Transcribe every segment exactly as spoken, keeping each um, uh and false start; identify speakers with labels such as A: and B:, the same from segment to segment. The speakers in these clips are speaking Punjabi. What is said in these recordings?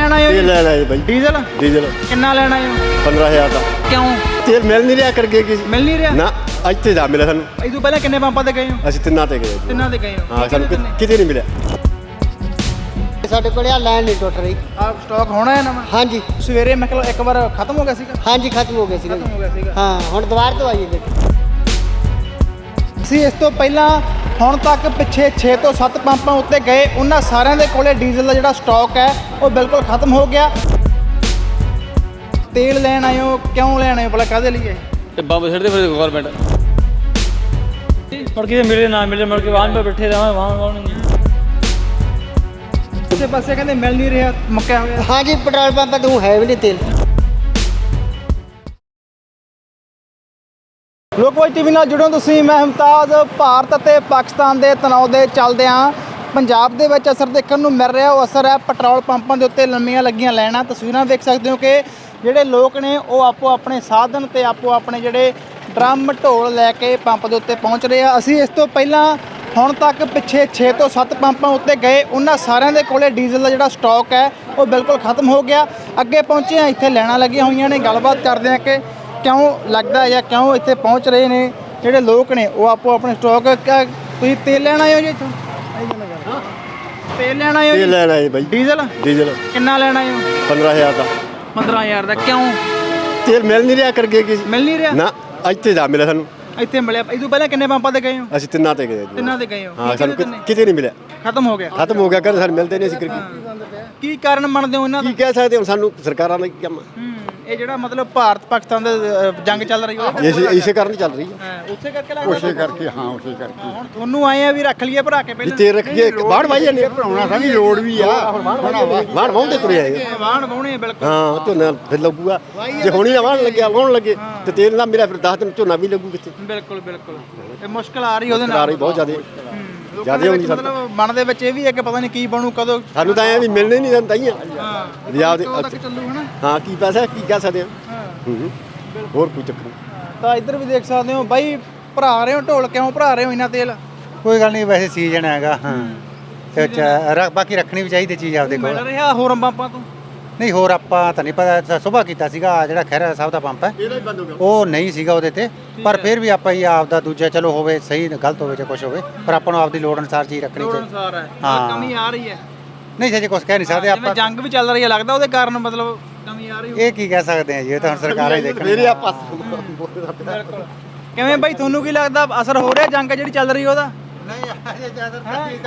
A: ਲੈਣ ਆਏ ਹੋ
B: तेल लेना है भाई।
A: ਡੀਜ਼ਲ
B: डीजल
A: ਕਿੰਨਾ ਲੈਣ ਆਏ ਹੋ
B: पंद्रह हजार का
A: ਕਿਉਂ
B: तेल मिल नहीं रहा करके किसी
A: ਮਿਲ ਨਹੀਂ ਰਿਹਾ
B: ना अज तो जा मिला सानू
A: ਇਹ ਤੋਂ ਪਹਿਲਾਂ ਕਿੰਨੇ ਪੰਪਾਂ ਤੇ ਗਏ ਹੋ
B: असं तिना ते गए
A: ਤਿੰਨਾਂ ਤੇ ਗਏ ਹੋ
B: हाँ सानू कितने नहीं मिला
C: ਸਾਡੇ ਕੋਲ ਆ ਲਾਈਨ ਨਹੀਂ ਟੁੱਟ ਰਹੀ।
A: ਆ ਸਟਾਕ ਹੋਣਾ ਹੈ ਨਵਾਂ
C: ਹਾਂਜੀ
A: ਸਵੇਰੇ ਮੈਂ ਕਿਹਾ ਇੱਕ ਵਾਰ ਖਤਮ ਹੋ ਗਿਆ ਸੀਗਾ
C: ਹਾਂਜੀ ਖਤਮ ਹੋ ਗਏ ਸੀਗੇ
A: ਖਤਮ ਹੋ ਗਿਆ ਸੀਗਾ
C: ਹਾਂ ਹੁਣ ਦੁਬਾਰਾ ਤੋਂ ਆਈਏ ਗੱਡੀ।
A: ਅਸੀਂ ਇਸ ਤੋਂ ਪਹਿਲਾਂ ਹੁਣ ਤੱਕ ਪਿੱਛੇ ਛੇ ਤੋਂ ਸੱਤ ਪੰਪਾਂ ਉੱਤੇ ਗਏ ਉਹਨਾਂ ਸਾਰਿਆਂ ਦੇ ਕੋਲੇ ਡੀਜ਼ਲ ਦਾ ਜਿਹੜਾ ਸਟਾਕ ਹੈ ਉਹ ਬਿਲਕੁਲ ਖਤਮ ਹੋ ਗਿਆ ਤੇਲ ਲੈਣ ਆਏ ਹੋ ਕਿਉਂ ਲੈਣ ਆਏ ਹੋ ਭਲਾ ਕਾਹਦੇ ਲਈ ਹੈ
D: ਤੇ ਬੰਬ ਛੱਡਦੇ ਫਿਰ ਗਵਰਨਮੈਂਟ ਮੁੜ ਕੇ ਮਿਲੇ ਨਾ ਮਿਲੇ ਮੁੜ ਕੇ ਵਾਹਨ 'ਤੇ ਬੈਠੇ ਰਹਾਂ ਵਾਹਨ ਵਾਹਨ
A: ਉਸੇ ਪਾਸੇ ਕਹਿੰਦੇ ਮਿਲ ਨਹੀਂ ਰਿਹਾ ਮੁੱਕਿਆ ਹੋਇਆ
C: ਹਾਂਜੀ ਪੈਟਰੋਲ ਪੰਪ ਤੋਂ ਹੈ ਵੀ ਨਹੀਂ ਤੇਲ।
A: ਲੋਕਵਾਈ ਟੀਵੀ ਨਾਲ ਜੁੜੋ ਤੁਸੀਂ ਮੈਂ ਮੁਮਤਾਜ਼ ਭਾਰਤ ਅਤੇ ਪਾਕਿਸਤਾਨ ਦੇ ਤਣਾਅ ਦੇ ਚੱਲਦਿਆਂ ਪੰਜਾਬ ਦੇ ਵਿੱਚ ਅਸਰ ਦੇਖਣ ਨੂੰ ਮਿਲ ਰਿਹਾ ਉਹ ਅਸਰ ਹੈ ਪੈਟਰੋਲ ਪੰਪਾਂ ਦੇ ਉੱਤੇ ਲੰਮੀਆਂ ਲੱਗੀਆਂ ਲਾਈਨਾਂ ਤਸਵੀਰਾਂ ਦੇਖ ਸਕਦੇ ਹੋ ਕਿ ਜਿਹੜੇ ਲੋਕ ਨੇ ਉਹ ਆਪੋ ਆਪਣੇ ਸਾਧਨ ਤੇ ਆਪੋ ਆਪਣੇ ਜਿਹੜੇ ਡਰਮ ਢੋਲ ਲੈ ਕੇ ਪੰਪ ਦੇ ਉੱਤੇ ਪਹੁੰਚ ਰਹੇ ਆ ਅਸੀਂ ਇਸ ਤੋਂ ਪਹਿਲਾਂ ਹੁਣ ਤੱਕ ਪਿੱਛੇ ਛੇ ਤੋਂ ਸੱਤ ਪੰਪਾਂ ਉੱਤੇ ਗਏ ਉਹਨਾਂ ਸਾਰਿਆਂ ਦੇ ਕੋਲੇ ਡੀਜ਼ਲ ਦਾ ਜਿਹੜਾ ਸਟਾਕ ਹੈ ਉਹ ਬਿਲਕੁਲ ਖਤਮ ਹੋ ਗਿਆ ਅੱਗੇ ਪਹੁੰਚੇ ਆ ਇੱਥੇ ਲਾਈਨਾਂ ਲੱਗੀਆਂ ਹੋਈਆਂ ਨੇ ਗੱਲਬਾਤ ਕਰਦੇ ਆ ਕਿ ਕਿਉਂ ਲੱਗਦਾ ਜਾਂ ਕਿਉਂ ਇੱਥੇ ਪਹੁੰਚ ਰਹੇ ਨੇ ਜਿਹੜੇ ਲੋਕ ਨੇ ਉਹ ਆਪੋ ਆਪਣੇ ਸਟਾਕ ਤੁਸੀਂ ਤੇਲ ਲੈਣ ਆਏ ਹੋ ਜੀ ਇੱਥੋਂ ਤੇਲ ਲੈਣ ਆਏ ਹੋ
B: तेल लेना है भाई।
A: ਡੀਜ਼ਲ
B: डीजल
A: ਕਿੰਨਾ ਲੈਣ ਆਏ ਹੋ
B: पंद्रह हजार का
A: ਪੰਦਰਾਂ ਹਜ਼ਾਰ ਦਾ ਕਿਉਂ
B: तेल मिल नहीं रहा करके किसी
A: ਮਿਲ ਨਹੀਂ ਰਿਹਾ
B: ना अज तो जा मिला सानू
A: ਇੱਥੇ ਮਿਲਿਆ ਇਹ ਤੋਂ ਪਹਿਲਾਂ ਕਿੰਨੇ ਪੰਪਾਂ ਤੇ ਗਏ ਹੋ
B: असं तिना ते गए
A: ਤਿੰਨਾਂ ਤੇ ਗਏ ਹੋ
B: हाँ
A: ਕੀ
B: सानू
A: ਕਹਿੰਦੇ ਤਿੰਨੇ?
B: कितने नहीं मिला
A: ਖਤਮ ਹੋ ਗਿਆ
B: खत्म हो गया कर सानू मिलते नहीं असं
A: ਕੀ ਕਾਰਨ ਮੰਨਦੇ ਹੋ ਇਹਨਾਂ ਦਾ
B: की कह सकते हम सानू सरकारां ने क्या
A: ਹੂੰ ਇਹ ਜਿਹੜਾ ਮਤਲਬ ਭਾਰਤ ਪਾਕਿਸਤਾਨ ਦੇ ਅ, ਜੰਗ ਚੱਲ ਰਹੀ ਹੋਵੇ
B: इसे इसे कारण चल रही है
A: ਹਾਂ ਉਸੇ ਕਰਕੇ ਲੱਗਦਾ
E: ਉਸੇ ਕਰਕੇ ਹਾਂ ਉਸੇ ਕਰਕੇ
A: ਹੁਣ ਤੁਹਾਨੂੰ ਆਏ ਆ ਵੀ ਰੱਖ ਲਈਏ ਭਰਾ ਕੇ ਪਹਿਲਾਂ
B: तेल रख के बाढ़ भाई ने
E: ਭਰਾਉਣਾ ਤਾਂ ਵੀ ਲੋੜ ਵੀ ਆ
B: बाढ़ वाउंदे तुरे आए
A: ਵਾਹਣ ਵਾਹੁਣੇ ਬਿਲਕੁਲ
B: हाँ ਝੋਨਾ ਫਿਰ ਲੱਗੂਗਾ ਜੇ ਹੁਣੀ ਨਾ ਵਾਹਣ ਲੱਗਿਆ ਵਾਹਣ ਲੱਗੇ ਤੇ ਤੇਲ ਨਾ ਮਿਲਿਆ ਫਿਰ ਦਸ ਦਿਨ ਝੋਨਾ ਵੀ ਲੱਗੂ ਕਿੱਥੇ
A: ਬਿਲਕੁਲ ਬਿਲਕੁਲ ਇਹ ਮੁਸ਼ਕਲ ਆ ਰਹੀ ਉਹਦੇ
B: ਆ
A: ਨਾਲ
B: ਰਹੀ ਬਹੁਤ ਜ਼ਿਆਦਾ
A: ਜ਼ਿਆਦਾ
B: ਜ਼ਿਆਦਾ ਹੁੰਦੀ ਸਾਨੂੰ
A: ਮਤਲਬ ਮਨ ਦੇ ਵਿੱਚ ਇਹ ਵੀ ਹੈ ਕਿ ਪਤਾ ਨਹੀਂ ਕੀ ਬਣੂ ਕਦੋਂ
B: ਸਾਨੂੰ ਤਾਂ ਐ ਵੀ ਮਿਲਣੇ ਨਹੀਂ ਦਿੰਦਾ ਹੀ ਆ
A: ਹਾਂ
B: ਪੰਜਾਬ ਦੇ
A: ਕਦੋਂ ਤੱਕ ਚੱਲੂ ਹਨਾ
B: ਹਾਂ ਕੀ ਪੈਸਾ ਕੀ ਕਹਿ ਸਕਦੇ ਆ
A: ਹਾਂ
B: ਹੂੰ ਹੋਰ ਕੋਈ ਚੱਕਰ ਨਹੀਂ
A: ਤਾਂ ਇੱਧਰ ਵੀ ਦੇਖ ਸਕਦੇ ਹੋ ਬਾਈ ਭਰਾ ਰਹੇ ਹੋ ਢੋਲ ਕਿਉਂ ਭਰਾ ਰਹੇ ਹੋ ਇੰਨਾ ਤੇਲ
F: ਕੋਈ ਗੱਲ ਨਹੀਂ ਵੈਸੇ ਸੀਜ਼ਨ ਹੈਗਾ ਹਾਂ ਤੇ ਚ- ਰ- ਬਾਕੀ ਰੱਖਣੀ ਵੀ ਚਾਹੀਦੀ ਚੀਜ਼ ਆਪਦੇ
A: ਮਿਲ
F: ਕੋਲ
A: ਰਿਹਾ ਹੋਰ ਪੰਪਾਂ ਤੋਂ
F: ਨਹੀਂ ਹੋਰ ਆਪਾਂ ਤਾਂ ਨਹੀਂ ਪਤਾ ਸੁਬਾਹ ਕੀਤਾ ਸੀਗਾ ਆਹ ਜਿਹੜਾ ਖਹਿਰਾ ਸਾਹਿਬ ਦਾ ਪੰਪ ਹੈ
B: ਇਹਦਾ ਹੀ ਬੰਦ ਹੋ ਗਿਆ
F: ਉਹ ਨਹੀਂ ਸੀਗਾ ਉਹਦੇ ਤੇ ਪਰ ਫਿਰ ਵੀ ਆਪਾਂ ਹੀ ਆਪਦਾ ਦੂਜਾ ਚਲੋ ਹੋਵੇ ਸਹੀ ਗਲਤ ਹੋਵੇ ਜਾਂ ਕੁਝ ਹੋਵੇ ਪਰ ਆਪਾਂ ਨੂੰ ਆਪਦੀ ਲੋੜ ਅਨੁਸਾਰ ਚੀਜ਼ ਰੱਖਣੀ
A: ਲੋੜ
F: ਚਾਹੀਦੀ
A: ਅਨੁਸਾਰ ਹੈ
F: ਹਾਂ।
A: ਕਮੀ ਆ ਰਹੀ ਹੈ
F: ਨਹੀਂ ਜੇ ਕੁਝ ਕਹਿ ਨਹੀਂ ਸਕਦੇ
A: ਜਿਵੇਂ
F: ਆਪਾਂ
A: ਜੰਗ ਵੀ ਚੱਲ ਰਹੀ ਹੈ ਲੱਗਦਾ ਉਹਦੇ ਕਾਰਨ ਮਤਲਬ ਕਮੀ ਆ ਰਹੀ ਹੋਊ।
F: ਇਹ ਕੀ ਕਹਿ ਸਕਦੇ ਆ ਜੀ ਇਹ ਤਾਂ ਹੁਣ ਸਰਕਾਰਾਂ ਹੀ
B: ਮੇਰੇ
F: ਦੇਖਣਗੀਆਂ
B: ਆ ਪਾਸ
A: ਬਿਲਕੁਲ ਕਿਵੇਂ ਬਾਈ ਤੁਹਾਨੂੰ ਕੀ ਲੱਗਦਾ ਅਸਰ ਹੋ ਰਿਹਾ ਜੰਗ ਜਿਹੜੀ ਚੱਲ ਰਹੀ ਉਹਦਾ
F: ਨਹੀਂ ਅਜੇ ਜ਼ਿਆਦਾ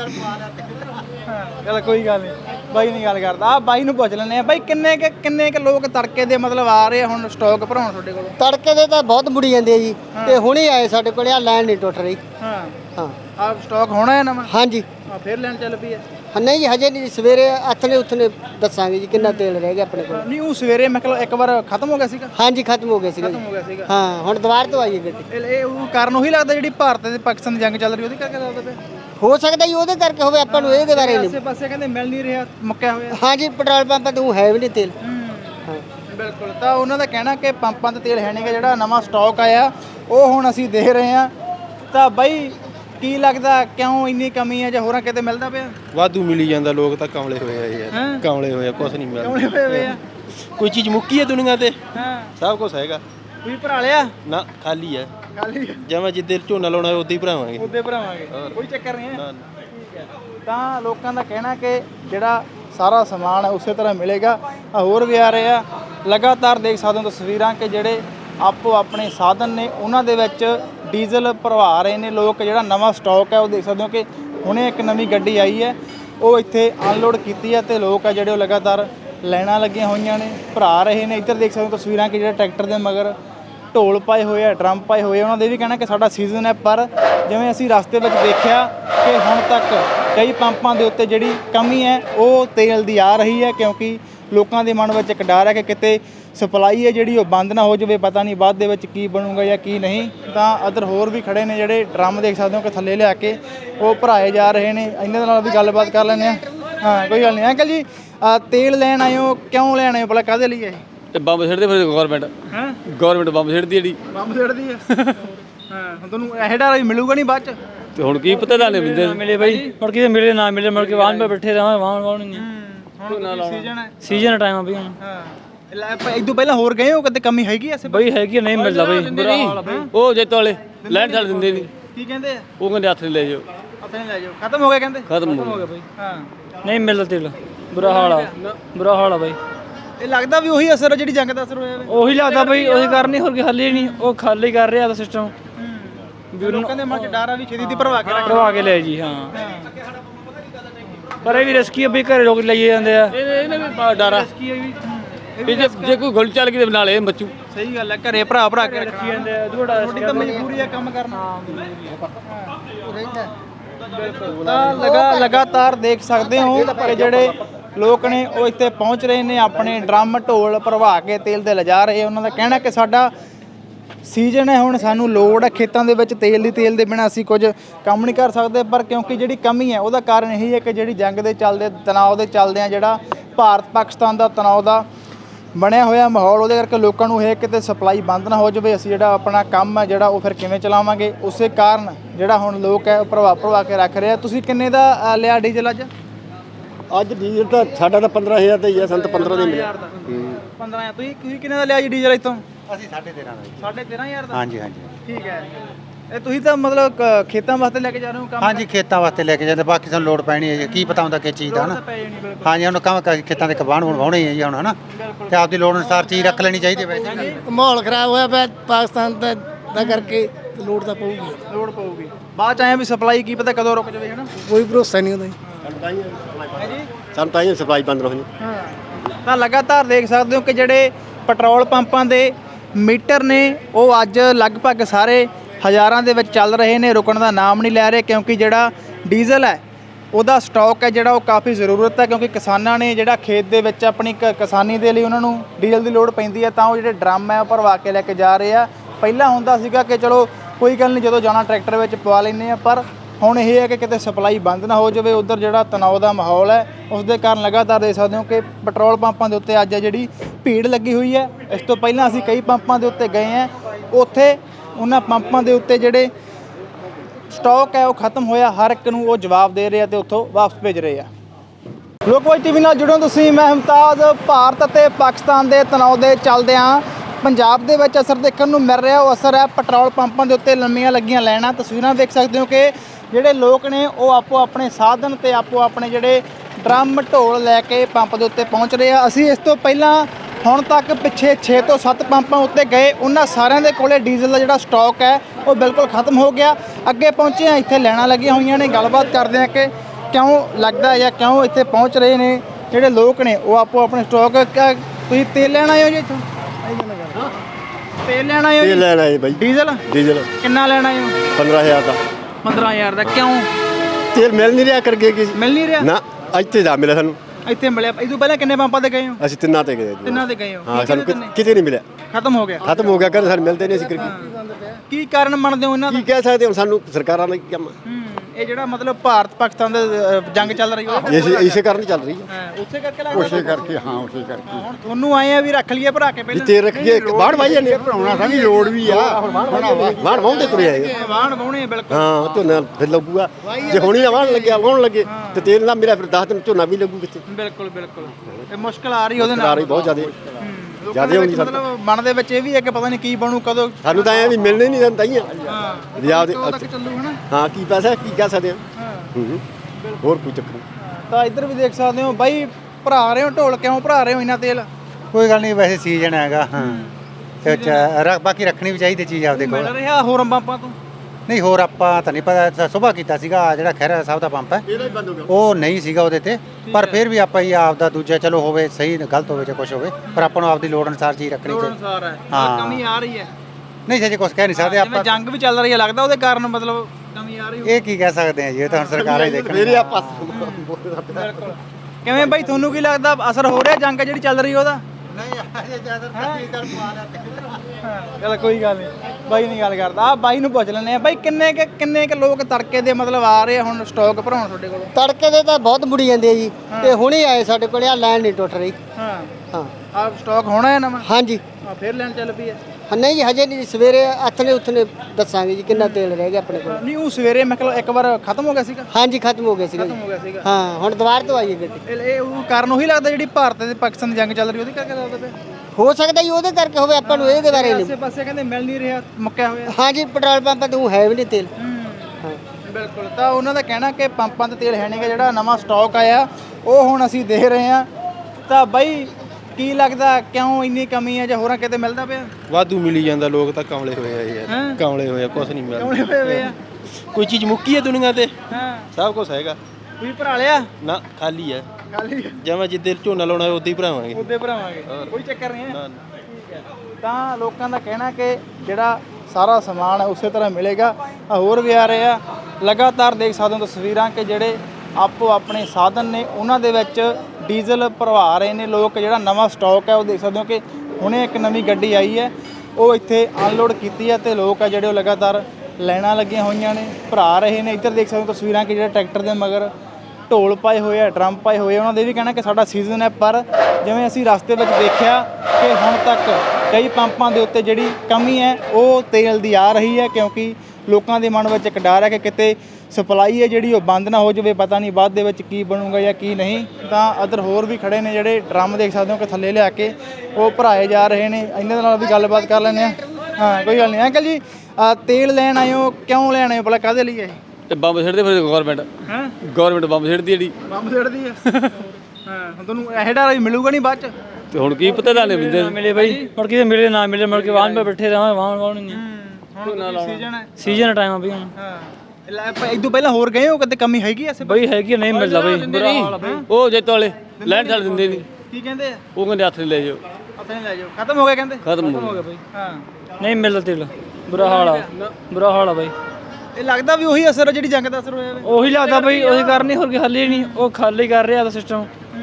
A: ਚਲ ਕੋਈ ਗੱਲ ਨਹੀਂ ਬਾਈ ਨਹੀਂ ਗੱਲ ਕਰਦਾ ਆ ਬਾਈ ਨੂੰ ਪੁੱਛ ਲੈਂਦੇ ਆ ਬਾਈ ਕਿੰਨੇ ਕੁ ਕਿੰਨੇ ਕੁ ਲੋਕ ਤੜਕੇ ਦੇ ਮਤਲਬ ਆ ਰਹੇ ਆ ਹੁਣ ਸਟਾਕ ਭਰਾਉਣ ਤੁਹਾਡੇ ਕੋਲ
C: ਤੜਕੇ ਦੇ ਤਾਂ ਬਹੁਤ ਮੁੜੀ ਜਾਂਦੇ ਆ ਜੀ ਤੇ ਹੁਣੇ ਆਏ ਸਾਡੇ ਕੋਲ ਆ ਲਾਈਨ ਨਹੀਂ ਟੁੱਟ ਰਹੀ।
A: ਹਾਂ
C: ਹਾਂ
A: ਆ ਸਟਾਕ ਹੋਣਾ ਹੈ ਨਵਾਂ
C: ਹਾਂਜੀ
A: ਆ ਫੇਰ ਲੈਣ ਚੱਲ ਪਈ ਹੈ
C: ਹਾਂ, ਨਹੀਂ ਹਜੇ ਨਹੀਂ ਸਵੇਰੇ ਹੱਥ ਨੇ ਉੱਥਨੇ ਦੱਸਾਂਗੇ ਜੀ ਕਿੰਨਾ ਤੇਲ ਰਹਿ ਗਿਆ ਆਪਣੇ ਕੋਲ।
A: ਨਹੀਂ ਉਹ ਸਵੇਰੇ ਮੈਂ ਕਿਹਾ ਇੱਕ ਵਾਰ ਖਤਮ ਹੋ ਗਿਆ ਸੀਗਾ
C: ਹਾਂਜੀ ਖਤਮ ਹੋ ਗਏ ਸੀਗੇ
A: ਖਤਮ ਹੋ ਗਿਆ ਸੀਗਾ
C: ਹਾਂ ਹੁਣ ਦੁਬਾਰਾ ਤੋਂ ਆਈਏ ਗੱਡੀ।
A: ਇਹ ਇਹ ਉਹ ਕਾਰਨ ਉਹੀ ਲੱਗਦਾ ਜਿਹੜੀ ਭਾਰਤ ਤੇ ਪਾਕਿਸਤਾਨ ਦੀ ਜੰਗ ਚੱਲ ਰਹੀ ਉਹਦੇ ਕਰਕੇ ਲੱਗਦਾ ਪਿਆ
C: ਹੋ ਸਕਦਾ ਜੀ ਉਹਦੇ ਕਰਕੇ ਹੋਵੇ ਆਪਾਂ ਨੂੰ ਇਹਦੇ ਬਾਰੇ ਨਹੀਂ।
A: ਆਸੇ ਪਾਸੇ ਕਹਿੰਦੇ ਮਿਲ ਨਹੀਂ ਰਿਹਾ ਮੁੱਕਿਆ ਹੋਇਆ
C: ਹਾਂਜੀ ਪੈਟਰੋਲ ਪੰਪ ਤੋਂ ਹੈ ਵੀ ਨਹੀਂ ਤੇਲ। ਹਾਂ
A: ਬਿਲਕੁਲ ਤਾਂ ਉਹਨਾਂ ਦਾ ਕਹਿਣਾ ਕਿ ਪੰਪਾਂ ਤੇ ਤੇਲ ਹੈ ਨਹੀਂ ਗਾ ਜਿਹੜਾ ਨਵਾਂ ਸਟਾਕ ਆਇਆ ਉਹ ਹੁਣ ਅਸੀਂ ਦੇ ਰਹੇ ਹਾਂ ਤਾਂ ਬਾਈ ਕੀ ਲੱਗਦਾ ਕਿਉਂ ਇੰਨੀ ਕਮੀ ਹੈ ਜਾਂ ਹੋਰਾਂ ਕਿਤੇ ਮਿਲਦਾ ਪਿਆ
G: ਵਾਧੂ ਮਿਲੀ ਜਾਂਦਾ ਲੋਕ ਤਾਂ ਕਮਲੇ ਹੋਏ ਆ ਯਾਰ
A: ਹੈਂ?
G: ਕਮਲੇ ਹੋਏ ਆ ਕੁਛ ਨਹੀਂ
A: ਕਿਉਂ
G: ਮਿਲਦਾ
A: ਹੋਏ ਹੋਏ ਆ
G: ਕੋਈ ਚੀਜ਼ ਮੁੱਕੀ ਹੈ ਦੁਨੀਆ ਤੇ
A: ਹਾਂ
G: ਸਭ ਕੁਝ ਹੈਗਾ
A: ਤੁਸੀਂ ਭਰਾ ਲਿਆ
G: ਨਾ ਖਾਲੀ ਹੈ
A: ਖਾਲੀ
G: ਜਿਵੇਂ ਜਿੱਦੇ ਝੋਨਾ ਲਾਉਣਾ ਉਦੋਂ ਹੀ ਭਰਾਵਾਂਗੇ
A: ਉਹਦੇ ਭਰਾਵਾਂਗੇ ਕੋਈ ਚੱਕਰ ਨਹੀਂ ਹੈ
G: ਨਾ,
A: ਠੀਕ ਹੈ ਤਾਂ ਲੋਕਾਂ ਦਾ ਕਹਿਣਾ ਕਿ ਜਿਹੜਾ ਸਾਰਾ ਸਮਾਨ ਹੈ ਉਸੇ ਤਰ੍ਹਾਂ ਮਿਲੇਗਾ ਆਹ ਹੋਰ ਵੀ ਆ ਰਹੇ ਆ ਲਗਾਤਾਰ ਦੇਖ ਸਕਦੇ ਹੋ ਤਸਵੀਰਾਂ ਕਿ ਜਿਹੜੇ ਆਪੋ ਆਪਣੇ ਸਾਧਨ ਨੇ ਉਹਨਾਂ ਦੇ ਵਿੱਚ ਡੀਜ਼ਲ ਭਰਵਾ ਰਹੇ ਨੇ ਲੋਕ ਜਿਹੜਾ ਨਵਾਂ ਸਟਾਕ ਹੈ ਉਹ ਦੇਖ ਸਕਦੇ ਹੋ ਕਿ ਹੁਣੇ ਇੱਕ ਨਵੀਂ ਗੱਡੀ ਆਈ ਹੈ ਉਹ ਇੱਥੇ ਅਨਲੋਡ ਕੀਤੀ ਹੈ ਤੇ ਲੋਕ ਆ ਜਿਹੜੇ ਉਹ ਲਗਾਤਾਰ ਲਾਈਨਾਂ ਲੱਗੀਆਂ ਹੋਈਆਂ ਨੇ ਭਰਾ ਰਹੇ ਨੇ ਇੱਧਰ ਦੇਖ ਸਕਦੇ ਹੋ ਤਸਵੀਰਾਂ ਕਿ ਜਿਹੜੇ ਟਰੈਕਟਰ ਦੇ ਮਗਰ ਢੋਲ ਪਾਏ ਹੋਏ ਆ ਡਰਮ ਪਾਏ ਹੋਏ ਆ ਉਹਨਾਂ ਦੇ ਵੀ ਕਹਿਣਾ ਕਿ ਸਾਡਾ ਸੀਜ਼ਨ ਹੈ ਪਰ ਜਿਵੇਂ ਅਸੀਂ ਰਸਤੇ ਵਿੱਚ ਦੇਖਿਆ ਕਿ ਹੁਣ ਤੱਕ ਕਈ ਪੰਪਾਂ ਦੇ ਉੱਤੇ ਜਿਹੜੀ ਕਮੀ ਹੈ ਉਹ ਤੇਲ ਦੀ ਆ ਰਹੀ ਹੈ ਕਿਉਂਕਿ ਲੋਕਾਂ ਦੇ ਮਨ ਵਿੱਚ ਇੱਕ ਡਰ ਹੈ ਕਿ ਕਿਤੇ ਸਪਲਾਈ ਹੈ ਜਿਹੜੀ ਉਹ ਬੰਦ ਨਾ ਹੋ ਜਾਵੇ ਪਤਾ ਨਹੀਂ ਬਾਅਦ ਦੇ ਵਿੱਚ ਕੀ ਬਣੂਗਾ ਜਾਂ ਕੀ ਨਹੀਂ ਤਾਂ ਅਦਰ ਹੋਰ ਵੀ ਖੜੇ ਨੇ ਜਿਹੜੇ ਡਰਮ ਦੇਖ ਸਕਦੇ ਹੋ ਕਿ ਥੱਲੇ ਲਿਆ ਕੇ ਉਹ ਭਰਾਏ ਜਾ ਰਹੇ ਨੇ ਇਹਨਾਂ ਦੇ ਨਾਲ ਵੀ ਗੱਲਬਾਤ ਕਰ ਲੈਂਦੇ ਆ ਹਾਂ ਕੋਈ ਗੱਲ ਨਹੀਂ ਅੰਕਲ ਜੀ ਆਹ ਤੇਲ ਲੈਣ ਆਏ ਹੋ ਕਿਉਂ ਲੈਣ ਆਏ ਹੋ ਭਲਾ ਕਾਹਦੇ ਲਈ ਹੈ
D: ਤੇ ਬੰਬ ਛੱਡਦੇ ਫਿਰ ਗਵਰਨਮੈਂਟ
A: ਹੈ
D: ਗਵਰਨਮੈਂਟ ਬੰਬ ਛੱਡਦੀ ਜਿਹੜੀ
A: ਬੰਬ ਛੱਡਦੀ ਹੈ ਹਾਂ ਹੁਣ ਤੁਹਾਨੂੰ ਇਹ ਡਰ ਮਿਲੂਗਾ ਨਹੀਂ ਬਾਅਦ ਚ
D: ਤੇ ਹੁਣ ਕੀ ਪਤਾ ਤਾਂ ਨਹੀਂ ਮਿਲਦੇ ਮਿਲੇ ਬਾਈ ਮੁੜ ਕੇ ਮਿਲੇ ਨਾ ਮਿਲੇ ਮੁੜ ਕੇ ਵਾਹਨ 'ਤੇ ਬੈਠੇ ਰਹਾਂ ਵਾਹਨ ਵਾਹਨ
A: ਸੀਜ਼ਨ ਹੈ
D: ਸੀਜ਼ਨ ਟਾਈਮ ਆ ਬਈ ਹੁਣ
A: ਹਾਂ ਇਦੋਂ ਪਹਿਲਾਂ ਹੋਰ ਗਏ ਹੋ ਕਦੇ ਕਮੀ ਹੈਗੀ ਐਸੇ
D: ਬਈ ਹੈਗੀ ਨਹੀਂ ਮਿਲਦਾ ਬਈ ਬੁਰਾ ਹਾਲ ਆ ਬਈ ਉਹ ਜੇਤੋ ਵਾਲੇ ਲੈਣ ਛੱਡ ਦਿੰਦੇ ਨਹੀਂ
A: ਕੀ ਕਹਿੰਦੇ ਆ
D: ਉਹ ਕਹਿੰਦੇ ਹੱਥ ਨਹੀਂ ਲੈ ਜਾਓ
A: ਆਪਣੇ ਲੈ ਜਾਓ ਖਤਮ ਹੋ ਗਿਆ ਕਹਿੰਦੇ
D: ਖਤਮ ਹੋ ਗਿਆ
A: ਬਈ ਹਾਂ
D: ਨਹੀਂ ਮਿਲਦਾ ਤੇਲ ਬੁਰਾ ਹਾਲ ਆ ਬੁਰਾ ਹਾਲ ਆ ਬਈ
A: ਇਹ ਲੱਗਦਾ ਵੀ ਉਹੀ ਅਸਰ ਹੈ ਜਿਹੜੀ ਜੰਗ ਦਾ ਅਸਰ ਹੋਇਆ ਵੇ
D: ਉਹੀ ਲੱਗਦਾ ਬਈ ਉਹੀ ਕਰਨੀ ਹੋਰ ਕੀ ਹੱਲ ਹੀ ਨਹੀਂ ਉਹ ਖਾਲੀ ਕਰ ਰਿਹਾ ਸਿਸਟਮ
A: ਲੋਕਾਂ ਦੇ ਮਨ ਚ ਡਰ ਆ ਵੀ ਛੇਤੀ ਦੀ ਭਰਵਾ ਕੇ ਰੱਖ
D: ਕਰਵਾ ਕੇ ਲੈ ਜੀ ਹਾਂ ਪਰ ਇਹ ਵੀ ਰਿਸਕੀ ਆ ਬਈ ਘਰੇ ਲੋਕ ਲਈ ਜਾਂਦੇ ਆ ਇਹਨੇ ਵੀ ਡਰ ਆ
A: ਕੀ ਹੈ ਵੀ
D: ਵੀ ਜੇ ਜੇ ਕੋਈ ਗੋਲੀ ਚੱਲ ਗਈ ਤੇ ਨਾਲ ਇਹ ਮੱਚੂ
A: ਸਹੀ ਗੱਲ ਹੈ ਘਰੇ ਭਰਾ ਭਰਾ ਕੇ ਰੱਖੀ
D: ਜਾਂਦੇ ਆ ਦੂੜਾ
A: ਤੁਹਾਡੀ ਤਾਂ ਮਜਬੂਰੀ ਹੈ ਕੰਮ ਕਰਨਾ ਤਾਂ ਲਗਾ ਲਗਾਤਾਰ ਦੇਖ ਸਕਦੇ ਹੋ ਕਿ ਜਿਹੜੇ ਲੋਕ ਨੇ ਉਹ ਇੱਥੇ ਪਹੁੰਚ ਰਹੇ ਨੇ ਆਪਣੇ ਡਰਮ ਢੋਲ ਭਰਵਾ ਕੇ ਤੇਲ ਦੇ ਲਿਜਾ ਰਹੇ ਉਹਨਾਂ ਦਾ ਕਹਿਣਾ ਕਿ ਸਾਡਾ ਸੀਜ਼ਨ ਹੈ ਹੁਣ ਸਾਨੂੰ ਲੋੜ ਹੈ ਖੇਤਾਂ ਦੇ ਵਿੱਚ ਤੇਲ ਦੀ ਤੇਲ ਦੇ ਬਿਨਾਂ ਅਸੀਂ ਕੁਝ ਕੰਮ ਨਹੀਂ ਕਰ ਸਕਦੇ ਪਰ ਕਿਉਂਕਿ ਜਿਹੜੀ ਕਮੀ ਹੈ ਉਹਦਾ ਕਾਰਨ ਇਹੀ ਹੈ ਕਿ ਜਿਹੜੀ ਜੰਗ ਦੇ ਚੱਲਦੇ ਤਣਾਅ ਦੇ ਚੱਲਦੇ ਆ ਜਿਹੜਾ ਭਾਰਤ ਪਾਕਿਸਤਾਨ ਦਾ ਤਣਾਅ ਦਾ ਬਣਿਆ ਹੋਇਆ ਮਾਹੌਲ ਉਹਦੇ ਕਰਕੇ ਲੋਕਾਂ ਨੂੰ ਇਹ ਕਿਤੇ ਸਪਲਾਈ ਬੰਦ ਨਾ ਹੋ ਜਾਵੇ ਅਸੀਂ ਜਿਹੜਾ ਆਪਣਾ ਕੰਮ ਹੈ ਜਿਹੜਾ ਉਹ ਫਿਰ ਕਿਵੇਂ ਚਲਾਵਾਂਗੇ ਉਸੇ ਕਾਰਨ ਜਿਹੜਾ ਹੁਣ ਲੋਕ ਹੈ ਉਹ ਪ੍ਰਭਾਵ ਪ੍ਰਭਾਵ ਕੇ ਰੱਖ ਰਹੇ ਆ ਤੁਸੀਂ ਕਿੰਨੇ ਦਾ ਅ, ਲਿਆ ਡੀਜ਼ਲ ਅੱਜ
B: ਅੱਜ ਡੀਜ਼ਲ ਤਾਂ ਸਾਡਾ ਤਾਂ ਪੰਦਰਾਂ ਹਜ਼ਾਰ ਦਾ ਹੀ ਆ ਸਾਨੂੰ ਤਾਂ ਪੰਦਰਾਂ ਦਾ ਹੀ ਮਿਲਿਆ
A: ਪੰਦਰਾਂ ਹਜ਼ਾਰ ਤੁਸੀਂ ਤੁਸੀਂ ਕਿੰਨੇ ਦਾ ਲਿਆ ਜੀ ਡੀਜ਼ਲ ਇੱਥੋਂ
F: ਅਸੀਂ ਸਾਢੇ ਤੇਰਾਂ ਦਾ ਜੀ।
A: ਸਾਢੇ ਤੇਰਾਂ ਹਜ਼ਾਰ ਦਾ
F: ਹਾਂਜੀ ਹਾਂਜੀ
A: ਠੀਕ ਹੈ ਇਹ ਤੁਸੀਂ ਤਾਂ ਮਤਲਬ ਕ- ਖੇਤਾਂ ਵਾਸਤੇ ਲੈ ਕੇ ਜਾ ਰਹੇ ਹੋ ਕੰਮ
F: ਹਾਂਜੀ ਖੇਤਾਂ ਵਾਸਤੇ ਲੈ ਕੇ ਜਾਂਦੇ ਬਾਕੀ ਸਾਨੂੰ ਲੋੜ ਪੈਣੀ ਹੈ ਜੀ ਕੀ ਪਤਾ ਹੁੰਦਾ ਕਿ ਚੀਜ਼ ਦਾ
A: ਲੋੜ
F: ਹਨਾ
A: ਤਾਂ ਪੈ ਜਾਣੀ ਬਿਲਕੁਲ
F: ਹਾਂਜੀ ਹੁਣ ਕੰਮ ਕ- ਖੇਤਾਂ ਦੇ ਕਬਾਣ ਵਾਉਣੇ ਹੀ ਹੈ ਜੀ ਹੁਣ ਹਨਾ ਤੇ ਆਪਦੀ ਲੋੜ ਅਨੁਸਾਰ ਚੀਜ਼ ਰੱਖ ਲੈਣੀ ਚਾਹੀਦੀ ਹੈ ਵੈਸੇ
C: ਮਾਹੌਲ ਖਰਾਬ ਹੋਇਆ ਪਿਆ ਪਾਕਿਸਤਾਨ ਦਾ ਦਾ ਕਰਕੇ ਲੋੜ ਤਾਂ ਪਊਗੀ
A: ਲੋੜ ਪਊਗੀ ਬਾਅਦ ਚ ਆਏ ਵੀ ਸਪਲਾਈ ਕੀ ਪਤਾ ਕਦੋਂ ਰੁਕ ਜਾਵੇ ਹਨਾ
C: ਕੋਈ ਭਰੋਸਾ ਨਹੀਂ ਹੁੰਦਾ ਜੀ
B: ਸਾਨੂੰ ਤਾਂ ਇਹ ਸਪਲਾਈ ਬੰਦ ਰਹੀ
A: ਹਾਂ ਤਾਂ ਲਗਾਤਾਰ ਦੇਖ ਸਕਦੇ ਹੋ ਕਿ ਜਿਹੜੇ ਪੈਟਰੋਲ ਪੰਪਾਂ ਦੇ ਮੀਟਰ ਨੇ ਉਹ ਅੱਜ ਲਗਭਗ ਸਾਰੇ ਹਜ਼ਾਰਾਂ ਦੇ ਵਿੱਚ ਚੱਲ ਰਹੇ ਨੇ ਰੁਕਣ ਦਾ ਨਾਮ ਨਹੀਂ ਲੈ ਰਹੇ ਕਿਉਂਕਿ ਜਿਹੜਾ ਡੀਜ਼ਲ ਹੈ ਉਹਦਾ ਸਟਾਕ ਹੈ ਜਿਹੜਾ ਉਹ ਕਾਫੀ ਜ਼ਰੂਰਤ ਹੈ ਕਿਉਂਕਿ ਕਿਸਾਨਾਂ ਨੇ ਜਿਹੜਾ ਖੇਤ ਦੇ ਵਿੱਚ ਆਪਣੀ ਕ- ਕਿਸਾਨੀ ਦੇ ਲਈ ਉਹਨਾਂ ਨੂੰ ਡੀਜ਼ਲ ਦੀ ਲੋੜ ਪੈਂਦੀ ਹੈ ਤਾਂ ਉਹ ਜਿਹੜੇ ਡਰਮ ਹੈ ਉਹ ਭਰਵਾ ਕੇ ਲੈ ਕੇ ਜਾ ਰਹੇ ਆ ਪਹਿਲਾਂ ਹੁੰਦਾ ਸੀਗਾ ਕਿ ਚਲੋ ਕੋਈ ਗੱਲ ਨਹੀਂ ਜਦੋਂ ਜਾਣਾ ਟਰੈਕਟਰ ਵਿੱਚ ਪਵਾ ਲੈਂਦੇ ਆ ਪਰ ਹੁਣ ਇਹ ਹੈ ਕਿ ਕਿਤੇ ਸਪਲਾਈ ਬੰਦ ਨਾ ਹੋ ਜਾਵੇ ਉਧਰ ਜਿਹੜਾ ਤਣਾਅ ਦਾ ਮਾਹੌਲ ਹੈ ਉਸ ਦੇ ਕਾਰਨ ਲਗਾਤਾਰ ਦੇਖ ਸਕਦੇ ਹੋ ਕਿ ਪੈਟਰੋਲ ਪੰਪਾਂ ਦੇ ਉੱਤੇ ਅੱਜ ਜਿਹੜੀ ਭੀੜ ਲੱਗੀ ਹੋਈ ਹੈ ਇਸ ਤੋਂ ਪਹਿਲਾਂ ਅਸੀਂ ਕਈ ਪੰਪਾਂ ਦੇ ਉੱਤੇ ਗਏ ਹਾਂ ਉੱਥੇ ਉਹਨਾਂ ਪੰਪਾਂ ਦੇ ਉੱਤੇ ਜਿਹੜੇ ਸਟਾਕ ਹੈ ਉਹ ਖਤਮ ਹੋਇਆ ਹਰ ਇੱਕ ਨੂੰ ਉਹ ਜਵਾਬ ਦੇ ਰਹੇ ਆ ਤੇ ਉੱਥੋਂ ਵਾਪਸ ਭੇਜ ਰਹੇ ਆ ਲੋਕਵਾਈ ਟੀਵੀ ਨਾਲ ਜੁੜੋ ਤੁਸੀਂ ਮੈਂ ਮੁਮਤਾਜ਼ ਭਾਰਤ ਅਤੇ ਪਾਕਿਸਤਾਨ ਦੇ ਤਣਾਅ ਦੇ ਚੱਲਦਿਆਂ ਪੰਜਾਬ ਦੇ ਵਿੱਚ ਅਸਰ ਦੇਖਣ ਨੂੰ ਮਿਲ ਰਿਹਾ ਉਹ ਅਸਰ ਹੈ ਪੈਟਰੋਲ ਪੰਪਾਂ ਦੇ ਉੱਤੇ ਲੰਮੀਆਂ ਲੱਗੀਆਂ ਲਾਈਨਾਂ ਤਸਵੀਰਾਂ ਦੇਖ ਸਕਦੇ ਹੋ ਕਿ ਜਿਹੜੇ ਲੋਕ ਨੇ ਉਹ ਆਪੋ ਆਪਣੇ ਸਾਧਨ ਤੇ ਆਪੋ ਆਪਣੇ ਜਿਹੜੇ ਡਰਮ ਢੋਲ ਲੈ ਕੇ ਪੰਪ ਦੇ ਉੱਤੇ ਪਹੁੰਚ ਰਹੇ ਆ ਅਸੀਂ ਇਸ ਤੋਂ ਪਹਿਲਾਂ ਹੁਣ ਤੱਕ ਪਿੱਛੇ ਛੇ ਤੋਂ ਸੱਤ ਪੰਪਾਂ ਉੱਤੇ ਗਏ ਉਹਨਾਂ ਸਾਰਿਆਂ ਦੇ ਕੋਲੇ ਡੀਜ਼ਲ ਦਾ ਜਿਹੜਾ ਸਟਾਕ ਹੈ ਉਹ ਬਿਲਕੁਲ ਖਤਮ ਹੋ ਗਿਆ ਅੱਗੇ ਪਹੁੰਚੇ ਆ ਇੱਥੇ ਲਾਈਨਾਂ ਲੱਗੀਆਂ ਹੋਈਆਂ ਨੇ ਗੱਲਬਾਤ ਕਰਦੇ ਆ ਕਿ ਕਿਉਂ ਲੱਗਦਾ ਜਾਂ ਕਿਉਂ ਇੱਥੇ ਪਹੁੰਚ ਰਹੇ ਨੇ ਜਿਹੜੇ ਲੋਕ ਨੇ ਉਹ ਆਪੋ ਆਪਣੇ ਸਟਾਕ ਤੁਸੀਂ ਤੇਲ ਲੈਣ ਆਏ ਹੋ ਜੀ ਇੱਥੋਂ ਤੇਲ ਲੈਣ ਆਏ ਹੋ
B: ਇਹ
A: ਜੀ?
B: ਲੈਣਾ ਹੈ ਬਾਈ
A: ਡੀਜ਼ਲ
B: ਡੀਜ਼ਲ
A: ਕਿੰਨਾ ਲੈਣ ਆਏ ਹੋ
B: ਪੰਦਰਾਂ ਹਜ਼ਾਰ ਦਾ
A: ਪੰਦਰਾਂ ਹਜ਼ਾਰ ਦਾ ਕਿਉਂ
B: ਤੇਲ ਮਿਲ ਨਹੀਂ ਰਿਹਾ ਕਰਕੇ ਕਿ
A: ਮਿਲ ਨਹੀਂ ਰਿਹਾ
B: ਨਾ ਇੱਥੇ ਜਾ ਮਿਲਿਆ ਸਾਨੂੰ
A: ਇੱਥੇ ਮਿਲਿਆ ਇਹ ਤੋਂ ਪਹਿਲਾਂ ਕਿੰਨੇ ਪੰਪਾਂ ਤੇ ਗਏ ਹੋ
B: ਅਸੀਂ ਤਿੰਨਾਂ ਤੇ ਗਏ ਜੀ।
A: ਤਿੰਨਾਂ ਤੇ ਗਏ ਹੋ
B: ਹਾਂ
A: ਕੀ
B: ਸਾਨੂੰ
A: ਕਹਿੰਦੇ
B: ਕਿ- ਕਿਤੇ ਨਹੀਂ ਮਿਲਿਆ
A: ਖਤਮ ਹੋ ਗਿਆ
B: ਖਤਮ ਹੋ ਗਿਆ ਕਰ ਸਾਨੂੰ ਮਿਲਦੇ ਨਹੀਂ ਅਸੀਂ ਕਰਕੇ
A: ਕੀ ਕਾਰਨ ਮੰਨਦੇ ਹੋ ਇਹਨਾਂ ਦਾ
B: ਕੀ ਕਹਿ ਸਕਦੇ ਹੁਣ ਸਾਨੂੰ ਸਰਕਾਰਾਂ ਦਾ ਕੀ ਕੰਮ
A: ਹੂੰ ਇਹ ਜਿਹੜਾ ਮਤਲਬ ਭਾਰਤ ਪਾਕਿਸਤਾਨ ਦੇ ਅ, ਜੰਗ ਚੱਲ ਰਹੀ ਹੋਵੇ
B: ਇਸੇ ਇਸੇ ਕਾਰਨ ਚੱਲ ਰਹੀ ਹੈ
A: ਹਾਂ ਉਸੇ ਕਰਕੇ ਲੱਗਦਾ
E: ਉਸੇ ਕਰਕੇ ਹਾਂ ਉਸੇ ਕਰਕੇ
A: ਹੁਣ ਤੁਹਾਨੂੰ ਆਏ ਆ ਵੀ ਰੱਖ ਲਈਏ ਭਰਾ ਕੇ
B: ਵੀ
A: ਪਹਿਲਾਂ
B: ਤੇਲ ਰੱਖੀਏ ਬਾੜ ਵਾਈ ਜਾਂਦੇ
E: ਭਰਾਉਣਾ ਸਾਡੀ ਲੋੜ ਵੀ ਆ
B: ਬਾੜ ਵਾਉਂਦੇ ਤੁਰੇ ਆਏ
A: ਵਾਹਣ ਵਾਹੁਣੇ ਬਿਲਕੁਲ
B: ਹਾਂ ਝੋਨਾ ਫਿਰ ਲੱਗੂਗਾ ਜੇ ਹੁਣੀ ਨਾ ਵਾਹਣ ਲੱਗਿਆ ਵਾਹਣ ਲੱਗੇ ਤੇ ਤੇਲ ਨਾ ਮਿਲਿਆ ਫਿਰ ਦਸ ਦਿਨ ਝੋਨਾ ਵੀ ਲੱਗੂ ਕਿੱਥੇ
A: ਬਿਲਕੁਲ ਬਿਲਕੁਲ ਇਹ ਮੁਸ਼ਕਲ ਆ ਰਹੀ ਉਹਦੇ
B: ਆ
A: ਨਾਲ
B: ਰਹੀ ਬਹੁਤ ਜ਼ਿਆਦਾ
A: ਲੋਕਾਂ
B: ਜ਼ਿਆਦਾ
A: ਦੇ
B: ਹੁੰਦੀ
A: ਵਿੱਚ ਮਤਲਬ ਮਨ ਦੇ ਵਿੱਚ ਇਹ ਵੀ ਹੈ ਕਿ ਪਤਾ ਨਹੀਂ ਕੀ ਬਣੂ ਕਦੋਂ
B: ਸਾਨੂੰ ਤਾਂ ਐ ਵੀ ਮਿਲਣੇ ਨਹੀਂ ਦਿੰਦਾ ਹੀ
A: ਹਾਂ
B: ਪੰਜਾਬ ਦੇ
A: ਕਦੋਂ ਤੱਕ ਚੱਲੂ ਹਨਾ
B: ਹਾਂ ਕੀ ਪੈਸਾ ਕੀ ਕਹਿ ਸਕਦੇ ਆ
A: ਹਾਂ
B: ਹੂੰ ਹੋਰ ਕੋਈ ਚੱਕਰ ਨਹੀਂ
A: ਤਾਂ ਇੱਧਰ ਵੀ ਦੇਖ ਸਕਦੇ ਹੋ ਬਾਈ ਭਰਾ ਰਹੇ ਹੋ ਢੋਲ ਕਿਉਂ ਭਰਾ ਰਹੇ ਹੋ ਇਹਨਾਂ ਤੇਲ
F: ਕੋਈ ਗੱਲ ਨਹੀਂ ਵੈਸੇ ਸੀਜ਼ਨ ਹੈਗਾ ਹਾਂ ਤੇ ਚ- ਰ- ਬਾਕੀ ਰੱਖਣੀ ਵੀ ਚਾਹੀਦੀ ਚੀਜ਼ ਆਪਦੇ
A: ਮਿਲ
F: ਕੋਲ
A: ਰਿਹਾ ਹੋਰ ਪੰਪਾਂ ਤੋਂ
F: ਨਹੀਂ ਹੋਰ ਆਪਾਂ ਤਾਂ ਨਹੀਂ ਪਤਾ ਸੁਬਾਹ ਕੀਤਾ ਸੀਗਾ ਜਿਹੜਾ ਖਹਿਰਾ ਸਾਹਿਬ ਦਾ ਪੰਪ ਹੈ
B: ਇਹਦਾ ਹੀ ਬੰਦ ਹੋ ਗਿਆ
F: ਉਹ ਨਹੀਂ ਸੀਗਾ ਉਹਦੇ ਤੇ ਪਰ ਫਿਰ ਵੀ ਆਪਾਂ ਹੀ ਆਪਦਾ ਦੂਜਾ ਚਲੋ ਹੋਵੇ ਸਹੀ ਗਲਤ ਹੋਵੇ ਜਾਂ ਕੁਝ ਹੋਵੇ ਪਰ ਆਪਾਂ ਨੂੰ ਆਪਦੀ ਲੋੜ ਅਨੁਸਾਰ ਚੀਜ਼ ਰੱਖਣੀ
A: ਲੋੜ
F: ਚਾਹੀਦੀ
A: ਅਨੁਸਾਰ ਹੈ
F: ਹਾਂ।
A: ਕਮੀ ਆ ਰਹੀ ਹੈ
F: ਨਹੀਂ ਜੇ ਕੁਝ ਕਹਿ ਨਹੀਂ ਸਕਦੇ
A: ਜਿਵੇਂ
F: ਆਪਾਂ
A: ਜੰਗ ਵੀ ਚੱਲ ਰਹੀ ਹੈ ਲੱਗਦਾ ਉਹਦੇ ਕਾਰਨ ਮਤਲਬ ਕਮੀ ਆ ਰਹੀ ਹੋਊ।
F: ਇਹ ਕੀ ਕਹਿ ਸਕਦੇ ਆ ਜੀ ਇਹ ਤਾਂ ਹੁਣ ਸਰਕਾਰਾਂ ਹੀ ਦੇਖਣ
B: ਮੇਰੇ ਆਪਸ
A: ਬਿਲਕੁਲ ਕਿਵੇਂ ਬਾਈ ਤੁਹਾਨੂੰ ਕੀ ਲੱਗਦਾ ਅਸਰ ਹੋ ਰਿਹਾ ਜੰਗ ਜਿਹੜੀ ਚੱਲ ਰਹੀ ਉਹਦਾ
F: ਨਹੀਂ ਅਜੇ ਜ਼ਿਆਦਾ
A: ਚਲ ਕੋਈ ਗੱਲ ਨਹੀਂ ਬਾਈ ਨਹੀਂ ਗੱਲ ਕਰਦਾ ਆ ਬਾਈ ਨੂੰ ਪੁੱਛ ਲੈਂਦੇ ਆ ਬਾਈ ਕਿੰਨੇ ਕੁ ਕਿੰਨੇ ਕੁ ਲੋਕ ਤੜਕੇ ਦੇ ਮਤਲਬ ਆ ਰਹੇ ਆ ਹੁਣ ਸਟਾਕ ਭਰਾਉਣ ਤੁਹਾਡੇ ਕੋਲ
C: ਤੜਕੇ ਦੇ ਤਾਂ ਬਹੁਤ ਮੁੜੀ ਜਾਂਦੇ ਆ ਜੀ ਤੇ ਹੁਣੇ ਆਏ ਸਾਡੇ ਕੋਲੇ ਆ ਲਾਈਨ ਨਹੀਂ ਟੁੱਟ ਰਹੀ
A: ਹਾਂ
C: ਹਾਂ
A: ਆ ਸਟਾਕ ਹੋਣਾ ਹੈ ਨਵਾਂ
C: ਹਾਂਜੀ
A: ਆ ਫੇਰ ਲੈਣ ਚੱਲ ਪਈ ਹੈ
C: ਹਾਂ ਨਹੀਂ ਜੀ ਹਜੇ ਨਹੀਂ ਜੀ, ਸਵੇਰੇ ਅਥਨੇ ਉਥਨੇ ਦੱਸਾਂਗੇ ਜੀ ਕਿੰਨਾ ਤੇਲ ਰਹਿ ਗਿਆ ਆਪਣੇ ਕੋਲ।
A: ਨਹੀਂ ਉਹ ਸਵੇਰੇ ਮੈਂ ਕਿਹਾ ਇੱਕ ਵਾਰ ਖਤਮ ਹੋ ਗਿਆ ਸੀਗਾ
C: ਹਾਂਜੀ ਖਤਮ ਹੋ ਗਿਆ ਸੀਗਾ
A: ਖਤਮ
C: ਜੀ।
A: ਹੋ ਗਿਆ ਸੀਗਾ
C: ਹਾਂ ਹੁਣ ਦੁਬਾਰਾ ਤੋਂ ਆਈ ਹੈ ਗੱਡੀ।
A: ਇਹ ਇਹ ਉਹ ਕਾਰਨ ਉਹੀ ਲੱਗਦਾ ਜਿਹੜੀ ਭਾਰਤ ਤੇ ਪਾਕਿਸਤਾਨ ਦੀ ਜੰਗ ਚੱਲ ਰਹੀ ਉਹਦੇ ਕਰਕੇ ਚੱਲਦਾ ਪਿਆ
C: ਹੋ ਸਕਦਾ ਜੀ ਉਹਦੇ ਕਰਕੇ ਹੋਵੇ, ਆਪਾਂ ਨੂੰ ਇਹਦੇ ਬਾਰੇ ਨਹੀਂ।
A: ਆਸੇ ਪਾਸੇ ਕਹਿੰਦੇ ਮਿਲ ਨਹੀਂ ਰਿਹਾ ਮੁੱਕਿਆ ਹੋਇਆ
C: ਹਾਂਜੀ ਪੈਟਰੋਲ ਪੰਪਾਂ ਤੇ ਊਂ ਹੈ ਵੀ ਨਹੀਂ ਤੇਲ। ਹਾਂ
A: ਬਿਲਕੁਲ ਤਾਂ ਉਹਨਾਂ ਦਾ ਕਹਿਣਾ ਕਿ ਪੰਪਾਂ ਤੇ ਤੇਲ ਹੈ ਨਹੀਂਗਾ, ਜਿਹੜਾ ਨਵਾਂ ਸਟਾਕ ਆਇਆ ਉਹ ਹੁਣ ਅਸੀਂ ਦੇ ਰਹੇ ਹਾਂ। ਤਾਂ ਬਾਈ ਕੀ ਲੱਗਦਾ ਕਿਉਂ ਇੰਨੀ ਕਮੀ ਹੈ ਜਾਂ ਹੋਰਾਂ ਕਿਤੇ ਮਿਲਦਾ ਪਿਆ?
G: ਵਾਧੂ ਮਿਲੀ ਜਾਂਦਾ, ਲੋਕ ਤਾਂ ਕਮਲੇ ਹੋਏ ਆ ਯਾਰ,
A: ਹੈਂ?
G: ਕਮਲੇ ਹੋਏ ਆ, ਕੁਛ ਨਹੀਂ
A: ਕੌਣੇ
G: ਮਿਲਦਾ।
A: ਹੋਏ ਹੋਏ ਆ?
G: ਕੋਈ ਚੀਜ਼ ਮੁੱਕੀ ਹੈ ਦੁਨੀਆ ਤੇ?
A: ਹਾਂ
G: ਸਭ ਕੁਝ ਹੈਗਾ
A: ਤੁਸੀਂ ਭਰਾ ਲਿਆ
G: ਨਾ, ਖਾਲੀ ਹੈ।
A: ਖਾਲੀ
G: ਜਿਵੇਂ ਜਿੱਦੇ ਝੋਨਾ ਲਾਉਣਾ ਉਦੋਂ ਹੀ ਭਰਾਵਾਂਗੇ।
A: ਉਹਦੇ ਭਰਾਵਾਂਗੇ ਕੋਈ ਚੱਕਰ ਨਹੀਂ ਹੈ।
G: ਨਾ, ਨਾ।
A: ਤਾਂ ਲੋਕਾਂ ਦਾ ਕਹਿਣਾ ਕਿ ਜਿਹੜਾ ਸਾਰਾ ਸਮਾਨ ਹੈ ਉਸੇ ਤਰ੍ਹਾਂ ਮਿਲੇਗਾ। ਆਹ ਹੋਰ ਵੀ ਆ ਰਹੇ ਆ, ਲਗਾਤਾਰ ਦੇਖ ਸਕਦੇ ਹੋ ਤਸਵੀਰਾਂ ਕਿ ਜਿਹੜੇ ਆਪੋ ਆਪਣੇ ਸਾਧਨ ਨੇ ਉਹਨਾਂ ਦੇ ਵਿੱਚ ਡੀਜ਼ਲ ਭਰਵਾ ਰਹੇ ਨੇ ਲੋਕ। ਜਿਹੜਾ ਨਵਾਂ ਸਟਾਕ ਹੈ ਉਹ ਦੇਖ ਸਕਦੇ ਹੋ ਕਿ ਹੁਣੇ ਇੱਕ ਨਵੀਂ ਗੱਡੀ ਆਈ ਹੈ ਉਹ ਇੱਥੇ ਅਨਲੋਡ ਕੀਤੀ ਹੈ ਤੇ ਲੋਕ ਆ ਜਿਹੜੇ ਉਹ ਲਗਾਤਾਰ ਲਾਈਨਾਂ ਲੱਗੀਆਂ ਹੋਈਆਂ ਨੇ, ਭਰਾ ਰਹੇ ਨੇ। ਇੱਧਰ ਦੇਖ ਸਕਦੇ ਹੋ ਤਸਵੀਰਾਂ ਕਿ ਜਿਹੜੇ ਟਰੈਕਟਰ ਦੇ ਮਗਰ ਢੋਲ ਪਾਏ ਹੋਏ ਆ, ਡਰਮ ਪਾਏ ਹੋਏ ਆ। ਉਹਨਾਂ ਦੇ ਵੀ ਕਹਿਣਾ ਕਿ ਸਾਡਾ ਸੀਜ਼ਨ ਹੈ, ਪਰ ਜਿਵੇਂ ਅਸੀਂ ਰਸਤੇ ਵਿੱਚ ਦੇਖਿਆ ਕਿ ਹੁਣ ਤੱਕ ਕਈ ਪੰਪਾਂ ਦੇ ਉੱਤੇ ਜਿਹੜੀ ਕਮੀ ਹੈ ਉਹ ਤੇਲ ਦੀ ਆ ਰਹੀ ਹੈ, ਕਿਉਂਕਿ ਲੋਕਾਂ ਦੇ ਮਨ ਵਿੱਚ ਇੱਕ ਡਰ ਹੈ ਕਿ ਕਿਤੇ ਸਪਲਾਈ ਹੈ ਜਿਹੜੀ ਉਹ ਬੰਦ ਨਾ ਹੋ ਜਾਵੇ, ਪਤਾ ਨਹੀਂ ਬਾਅਦ ਦੇ ਵਿੱਚ ਕੀ ਬਣੂਗਾ ਜਾਂ ਕੀ ਨਹੀਂ। ਤਾਂ ਅਦਰ ਹੋਰ ਵੀ ਖੜੇ ਨੇ ਜਿਹੜੇ ਡਰਮ ਦੇਖ ਸਕਦੇ ਹੋ ਕਿ ਥੱਲੇ ਲਿਆ ਕੇ ਉਹ ਭਰਾਏ ਜਾ ਰਹੇ ਨੇ। ਇਹਨਾਂ ਦੇ ਨਾਲ ਵੀ ਗੱਲਬਾਤ ਕਰ ਲੈਂਦੇ ਆ। ਹਾਂ ਕੋਈ ਗੱਲ ਨਹੀਂ ਅੰਕਲ ਜੀ, ਆਹ ਤੇਲ ਲੈਣ ਆਏ ਹੋ, ਕਿਉਂ ਲੈਣ ਆਏ ਹੋ ਭਲਾ, ਕਾਹਦੇ ਲਈ ਹੈ
D: ਤੇ ਬੰਬ ਛੱਡਦੇ ਫਿਰ ਗਵਰਨਮੈਂਟ
A: ਹੈ?
D: ਗਵਰਨਮੈਂਟ ਬੰਬ ਛੱਡਦੀ ਜਿਹੜੀ।
A: ਬੰਬ ਛੱਡਦੀ ਹੈ ਹਾਂ, ਹੁਣ ਤੁਹਾਨੂੰ ਇਹ ਡਰ ਵੀ ਮਿਲੂਗਾ ਨਹੀਂ ਬਾਅਦ ਚ।
D: ਤੇ ਹੁਣ ਕੀ ਪਤਾ ਲਾਣੇ ਬਿੰਦੇ
H: ਮਿਲੇ ਬਾਈ ਮੁੜ ਕੇ ਮਿਲੇ ਨਾ ਮਿਲੇ ਮੁੜ ਕੇ ਵਾਹਨ 'ਤੇ ਬੈਠੇ ਰਹਾਂ ਵਾਹਨ ਵਾਹਨ ਨਹੀਂ
A: ਹੁਣ ਸੀਜ਼ਨ ਹੈ।
H: ਸੀਜ਼ਨ ਟਾਈਮ ਆ ਬਈ ਹੁਣ।
A: ਹਾਂ ਇਦੋਂ ਪਹਿਲਾਂ ਹੋਰ ਗਏ ਹੋ ਕਦੇ? ਕਮੀ ਹੈਗੀ ਐਸੇ
H: ਬਈ ਹੈਗੀ ਨਹੀਂ ਮਿਲਦਾ ਬਈ ਬੁਰਾ ਹਾਲ ਆ ਬਈ।
D: ਉਹ ਜੇਤੋ ਵਾਲੇ ਲੈਣ ਛੱਡ ਦਿੰਦੇ ਨਹੀਂ।
A: ਕੀ ਕਹਿੰਦੇ ਆ?
D: ਉਹ ਕਹਿੰਦੇ ਹੱਥ ਨਹੀਂ ਲੈ ਜਾਓ,
A: ਆਪਣੇ ਲੈ ਜਾਓ, ਖਤਮ ਹੋ ਗਿਆ ਕਹਿੰਦੇ।
D: ਖਤਮ ਹੋ ਗਿਆ।
H: ਬਈ
A: ਹਾਂ
H: ਨਹੀਂ ਮਿਲਦਾ ਤੇਲ, ਬੁਰਾ ਹਾਲ ਆ ਬੁਰਾ ਹਾਲ ਆ ਬਾਈ।
A: ਇਹ ਲੱਗਦਾ ਵੀ ਉਹੀ ਅਸਰ ਹੈ ਜਿਹੜੀ ਜੰਗ ਦਾ ਅਸਰ ਹੋਇਆ ਵੇ।
H: ਉਹੀ ਲੱਗਦਾ ਬਈ ਉਹੀ ਕਰਨੀ, ਹੋਰ ਕੀ ਹੱਲ ਹੀ ਨਹੀਂ। ਉਹ ਖਾਲੀ ਕਰ ਰਿਹਾ ਦਾ ਸਿਸਟਮ,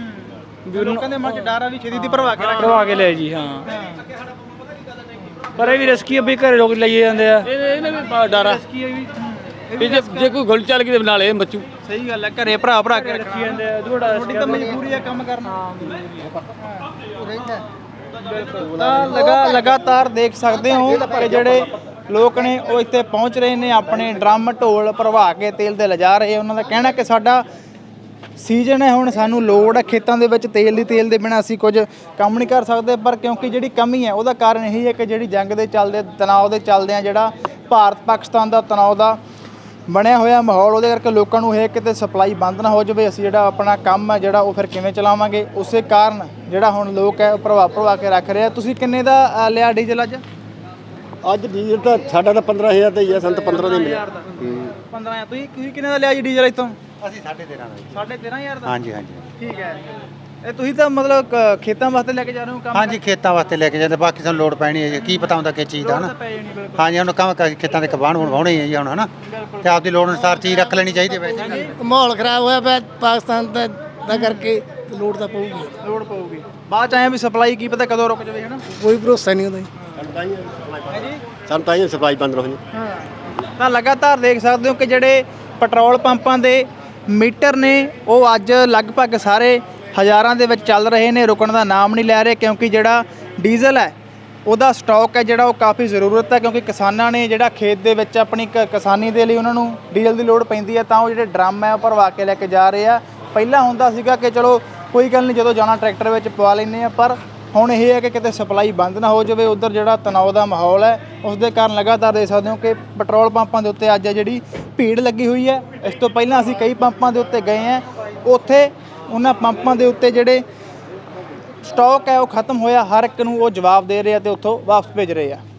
A: ਲੋਕਾਂ ਦੇ ਮਨ ਚ ਡਰ ਆ ਵੀ ਛੇਤੀ ਦੀ ਭਰਵਾ ਕੇ ਰੱਖ।
H: ਕਰਵਾ ਕੇ ਲੈ ਜੀ। ਹਾਂ ਪਰ ਇਹ ਵੀ ਰਿਸਕੀ ਆ ਬਈ, ਘਰੇ ਲੋਕ ਲਈ ਜਾਂਦੇ ਆ।
D: ਇਹ ਇਹਨੇ ਵੀ ਬੜਾ ਡਰ ਆ ਵੀ ਜੇ ਜੇ ਕੋਈ ਗੋਲੀ ਚੱਲ ਗਈ ਤੇ ਨਾਲੇ ਮੱਚੂ।
A: ਸਹੀ ਗੱਲ ਹੈ, ਘਰੇ ਭਰਾ ਭਰਾ ਕੇ ਰੱਖੀ
H: ਜਾਂਦੇ ਆ ਥੋੜਾ
A: ਤੁਹਾਡੀ ਤਾਂ ਮਜਬੂਰੀ ਹੈ ਕੰਮ ਕਰਨਾ। ਤਾਂ ਲਗਾ ਲਗਾਤਾਰ ਦੇਖ ਸਕਦੇ ਹੋ ਕਿ ਜਿਹੜੇ ਲੋਕ ਨੇ ਉਹ ਇੱਥੇ ਪਹੁੰਚ ਰਹੇ ਨੇ, ਆਪਣੇ ਡਰਮ ਢੋਲ ਭਰਵਾ ਕੇ ਤੇਲ ਤੇ ਲਿਜਾ ਰਹੇ। ਉਹਨਾਂ ਦਾ ਕਹਿਣਾ ਕਿ ਸਾਡਾ ਸੀਜ਼ਨ ਹੈ, ਹੁਣ ਸਾਨੂੰ ਲੋੜ ਹੈ ਖੇਤਾਂ ਦੇ ਵਿੱਚ ਤੇਲ ਦੀ। ਤੇਲ ਦੇ ਬਿਨਾਂ ਅਸੀਂ ਕੁਝ ਕੰਮ ਨਹੀਂ ਕਰ ਸਕਦੇ, ਪਰ ਕਿਉਂਕਿ ਜਿਹੜੀ ਕਮੀ ਹੈ ਉਹਦਾ ਕਾਰਨ ਇਹੀ ਹੈ ਕਿ ਜਿਹੜੀ ਜੰਗ ਦੇ ਚੱਲਦੇ ਤਣਾਅ ਦੇ ਚੱਲਦੇ ਆ, ਜਿਹੜਾ ਭਾਰਤ ਪਾਕਿਸਤਾਨ ਦਾ ਤਣਾਅ ਦਾ ਬਣਿਆ ਹੋਇਆ ਮਾਹੌਲ, ਉਹਦੇ ਕਰਕੇ ਲੋਕਾਂ ਨੂੰ ਇਹ ਕਿਤੇ ਸਪਲਾਈ ਬੰਦ ਨਾ ਹੋ ਜਾਵੇ, ਅਸੀਂ ਜਿਹੜਾ ਆਪਣਾ ਕੰਮ ਹੈ ਜਿਹੜਾ ਉਹ ਫਿਰ ਕਿਵੇਂ ਚਲਾਵਾਂਗੇ। ਉਸੇ ਕਾਰਨ ਜਿਹੜਾ ਹੁਣ ਲੋਕ ਹੈ ਉਹ ਭਰਵਾ ਭਰਵਾ ਕੇ ਰੱਖ ਰਹੇ ਆ। ਤੁਸੀਂ ਕਿੰਨੇ ਦਾ ਅ, ਲਿਆ ਡੀਜ਼ਲ ਅੱਜ?
B: ਅੱਜ ਡੀਜ਼ਲ ਤਾਂ ਸਾਡਾ ਤਾਂ ਪੰਦਰਾਂ ਹਜ਼ਾਰ ਦਾ ਹੀ ਆ, ਸਾਨੂੰ ਤਾਂ ਪੰਦਰਾਂ ਦਾ ਹੀ ਮਿਲਿਆ।
A: ਪੰਦਰਾਂ ਹਜ਼ਾਰ। ਤੁਸੀਂ ਤੁਸੀਂ ਕਿੰਨੇ ਦਾ ਲਿਆ ਜੀ ਡੀਜ਼ਲ ਇੱਥੋਂ?
F: ਅਸੀਂ ਸਾਢੇ ਤੇਰਾਂ ਦਾ ਜੀ।
A: ਸਾਢੇ ਤੇਰਾਂ ਹਜ਼ਾਰ ਦਾ।
F: ਹਾਂਜੀ ਹਾਂਜੀ
A: ਠੀਕ ਹੈ। ਇਹ ਤੁਸੀਂ ਤਾਂ ਮਤਲਬ ਕ- ਖੇਤਾਂ ਵਾਸਤੇ ਲੈ ਕੇ ਜਾ ਰਹੇ ਹੋ ਕੰਮ?
F: ਹਾਂਜੀ ਖੇਤਾਂ ਵਾਸਤੇ ਲੈ ਕੇ ਜਾਂਦੇ, ਬਾਕੀ ਸਾਨੂੰ ਲੋੜ ਪੈਣੀ ਹੈ ਜੀ, ਕੀ ਪਤਾ ਹੁੰਦਾ ਕਿਸ ਚੀਜ਼ ਦਾ ਹਨਾ।
A: ਪੈ ਜਾਣੀ ਬਿਲਕੁਲ।
F: ਹਾਂਜੀ ਹੁਣ ਕੰਮ ਕ- ਖੇਤਾਂ ਦੇ ਕਬਾਣ ਵਾਹੁਣੇ ਹੈ ਜੀ ਹੁਣ ਹਨਾ, ਤੇ ਆਪਦੀ ਲੋੜ ਅਨੁਸਾਰ ਚੀਜ਼ ਰੱਖ ਲੈਣੀ ਚਾਹੀਦੀ ਹੈ ਵੈਸੇ।
C: ਮਾਹੌਲ ਖਰਾਬ ਹੋਇਆ ਪਿਆ ਪਾਕਿਸਤਾਨ ਦਾ ਦਾ ਕਰਕੇ ਲੋੜ ਤਾਂ ਪਊਗੀ,
A: ਲੋੜ ਪਊਗੀ। ਬਾਅਦ ਚ ਆਏ ਵੀ ਸਪਲਾਈ ਕੀ ਪਤਾ ਕਦੋਂ ਰੁਕ ਜਾਵੇ ਹਨਾ।
C: ਕੋਈ ਭਰੋਸਾ ਨਹੀਂ ਹੁੰਦਾ ਜੀ।
B: ਸਾਨੂੰ ਤਾਂ ਇਹ ਸਪਲਾਈ ਬੰਦ ਰਹੀ।
A: ਹਾਂ ਤਾਂ ਲਗਾਤਾਰ ਦੇਖ ਸਕਦੇ ਹੋ ਕਿ ਜਿਹੜੇ ਪੈਟਰੋਲ ਪੰਪਾਂ ਦੇ ਮੀਟਰ ਨੇ ਉਹ ਅੱਜ ਲਗਭਗ ਸਾਰੇ ਹਜ਼ਾਰਾਂ ਦੇ ਵਿੱਚ ਚੱਲ ਰਹੇ ਨੇ, ਰੁਕਣ ਦਾ ਨਾਮ ਨਹੀਂ ਲੈ ਰਹੇ, ਕਿਉਂਕਿ ਜਿਹੜਾ ਡੀਜ਼ਲ ਹੈ ਉਹਦਾ ਸਟਾਕ ਹੈ ਜਿਹੜਾ ਉਹ ਕਾਫੀ ਜ਼ਰੂਰਤ ਹੈ, ਕਿਉਂਕਿ ਕਿਸਾਨਾਂ ਨੇ ਜਿਹੜਾ ਖੇਤ ਦੇ ਵਿੱਚ ਆਪਣੀ ਕ- ਕਿਸਾਨੀ ਦੇ ਲਈ ਉਹਨਾਂ ਨੂੰ ਡੀਜ਼ਲ ਦੀ ਲੋੜ ਪੈਂਦੀ ਹੈ, ਤਾਂ ਉਹ ਜਿਹੜੇ ਡਰਮ ਹੈ ਉਹ ਭਰਵਾ ਕੇ ਲੈ ਕੇ ਜਾ ਰਹੇ ਆ। ਪਹਿਲਾਂ ਹੁੰਦਾ ਸੀਗਾ ਕਿ ਚਲੋ ਕੋਈ ਗੱਲ ਨਹੀਂ ਜਦੋਂ ਜਾਣਾ ਟਰੈਕਟਰ ਵਿੱਚ ਪਵਾ ਲੈਂਦੇ ਆ, ਪਰ ਹੁਣ ਇਹ ਹੈ ਕਿ ਕਿਤੇ ਸਪਲਾਈ ਬੰਦ ਨਾ ਹੋ ਜਾਵੇ। ਉੱਧਰ ਜਿਹੜਾ ਤਣਾਅ ਦਾ ਮਾਹੌਲ ਹੈ ਉਸ ਦੇ ਕਾਰਨ ਲਗਾਤਾਰ ਦੇਖ ਸਕਦੇ ਹੋ ਕਿ ਪੈਟਰੋਲ ਪੰਪਾਂ ਦੇ ਉੱਤੇ ਅੱਜ ਜਿਹੜੀ ਭੀੜ ਲੱਗੀ ਹੋਈ ਹੈ। ਇਸ ਤੋਂ ਪਹਿਲਾਂ ਅਸੀਂ ਕਈ ਪੰਪਾਂ ਦੇ ਉੱਤੇ ਗਏ ਹਾਂ, ਉੱਥੇ ਉਹਨਾਂ ਪੰਪਾਂ ਦੇ ਉੱਤੇ ਜਿਹੜੇ ਸਟਾਕ ਹੈ ਉਹ ਖਤਮ ਹੋਇਆ, ਹਰ ਇੱਕ ਨੂੰ ਉਹ ਜਵਾਬ ਦੇ ਰਹੇ ਆ ਤੇ ਉੱਥੋਂ ਵਾਪਸ ਭੇਜ ਰਹੇ ਆ।